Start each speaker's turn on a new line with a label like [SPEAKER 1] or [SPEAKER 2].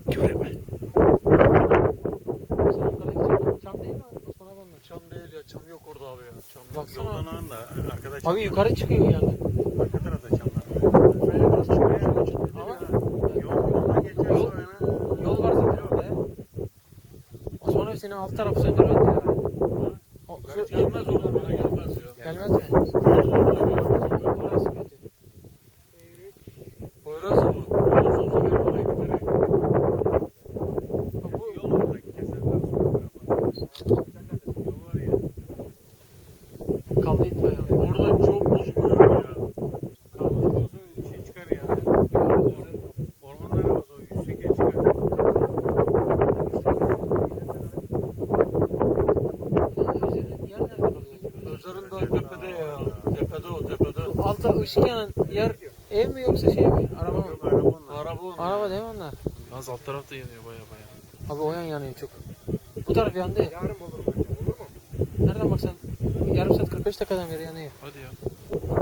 [SPEAKER 1] Göreme.
[SPEAKER 2] Çam değil mi? Osman abi onlar.
[SPEAKER 3] Çam değil ya. Çam yok orada abi ya. Çam yok.
[SPEAKER 2] Baksana.
[SPEAKER 1] Yoldan ağın da arkadaş.
[SPEAKER 2] Abi yukarı çıkıyor yani.
[SPEAKER 1] Arka tarafta çamlar.
[SPEAKER 3] Böyle biraz çıkıyor ya.
[SPEAKER 2] Ama
[SPEAKER 1] Yoldan geçeceğiz
[SPEAKER 2] Yol-
[SPEAKER 1] sonra.
[SPEAKER 2] yol var zaten orada ya. Osman abi senin alt tarafı söndürmedi ya. O, şu,
[SPEAKER 3] Gelmez orada bana gelmez ya.
[SPEAKER 2] gelmez mi? Orası kötü.
[SPEAKER 3] Poyraz mı? Poyraz olsa ben oraya giderim.
[SPEAKER 1] Bu yol orada keserler sonra. Yol var ya.
[SPEAKER 2] Kaldı itme ya.
[SPEAKER 3] Orada çok bozuluyor ya.
[SPEAKER 1] Olsun şey çıkar ya. Ormanlar havası o yükseğe çıkar.
[SPEAKER 2] Yer nerede kalıyor?
[SPEAKER 3] Özer'in daha tepede ya. Tepede o tepede.
[SPEAKER 2] Altta ışık yanan yer ev mi yoksa şey mi? Araba mı?
[SPEAKER 1] Yok araba onlar.
[SPEAKER 3] Araba onun.
[SPEAKER 2] Araba değil mi onlar?
[SPEAKER 3] Yalnız alt tarafta yanıyor baya baya.
[SPEAKER 2] Abi o yan yanıyor çok. Bu taraf yandı ya.
[SPEAKER 4] Yarın olur bence, olur mu?
[SPEAKER 2] Nereden baksan yarım saat 45 dakikadan beri yanıyor.
[SPEAKER 3] Hadi ya.